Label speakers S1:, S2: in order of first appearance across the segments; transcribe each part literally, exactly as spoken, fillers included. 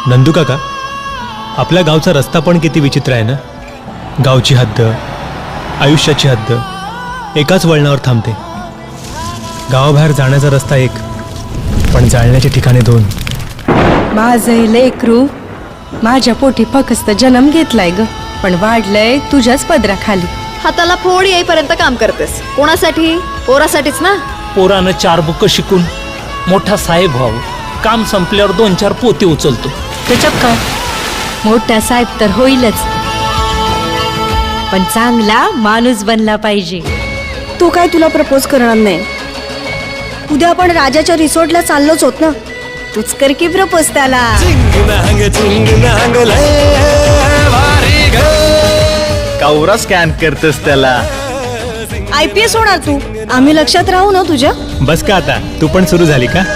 S1: नंदू काका, आपल्या गावचा रस्ता पण किती विचित्र आहे ना. गावची हद्द, आयुष्याची हद्द एकाच वळणावर थांबते. गावाबाहेर जाण्याचा रस्ता एक, पण जाळण्याची ठिकाणे दोन.
S2: माझं लेकरू माझ्या पोटी फक्त जन्म घेतलाय ग, पण वाढलंय तुझ्याच पदराखाली.
S3: हाताला फोड येईपर्यंत काम करतेस. कोणासाठी? पोरासाठीच ना.
S4: पोरानं चार बुक शिकून मोठा साहेब व्हावं, काम संपल्यावर दोन चार पोते उचलतो, त्याच्यात काय.
S2: मोठा साहेब तर होईलच, पण चांगला माणूस बनला पाहिजे.
S5: तू काय तुला प्रपोज करणार नाही? उद्या आपण राजाच्या रिसॉर्टला चाललोच होत ना, तूच कर की प्रपोज त्याला.
S6: कावरा स्कॅन करतेस त्याला.
S5: आय पी एस होणार तू, आम्ही लक्षात राहू ना तुझ्या.
S1: बस का आता, तू पण सुरू झाली का?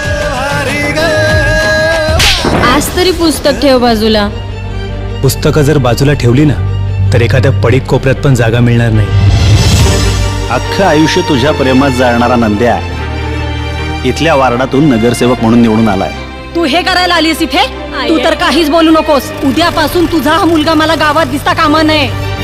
S2: आज तरी पुस्तक ठेव बाजूला.
S1: पुस्तकं जर बाजूला ठेवली ना, तर एखाद्या पडीक कोपऱ्यात पण जागा मिळणार नाही.
S6: अख्खं आयुष्य तुझ्या प्रेमात जाणारा नंद्या इथल्या वार्डातून नगरसेवक म्हणून निवडून आलाय.
S5: तू हे करायला आलीस इथे? तू तर काहीच बोलू नकोस. उद्यापासून तुझा हा मुलगा मला गावात दिसता कामा नये.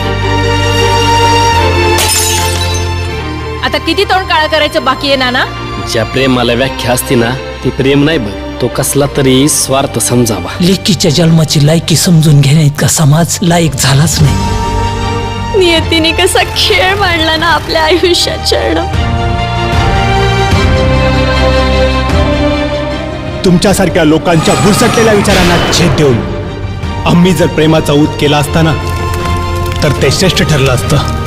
S7: आता किती तोंड काळा करायचं बाकी आहे नाना?
S8: ज्या प्रेमाला व्याख्या असते ना, ती प्रेम नाही बघ, तो कसला तरी स्वार्थ समजावा.
S4: लेकीच्या जन्माची लायकी समजून घेण्या इतका समाज लायक झालाच नाही.
S3: नियतीने कसा खेळ मांडला ना आपल्या आयुष्यात.
S1: तुमच्यासारख्या लोकांच्या भुरसटलेल्या विचारांना छेद देऊन आम्ही जर प्रेमाचा ऊत केला असता ना, तर ते श्रेष्ठ ठरलं असतं.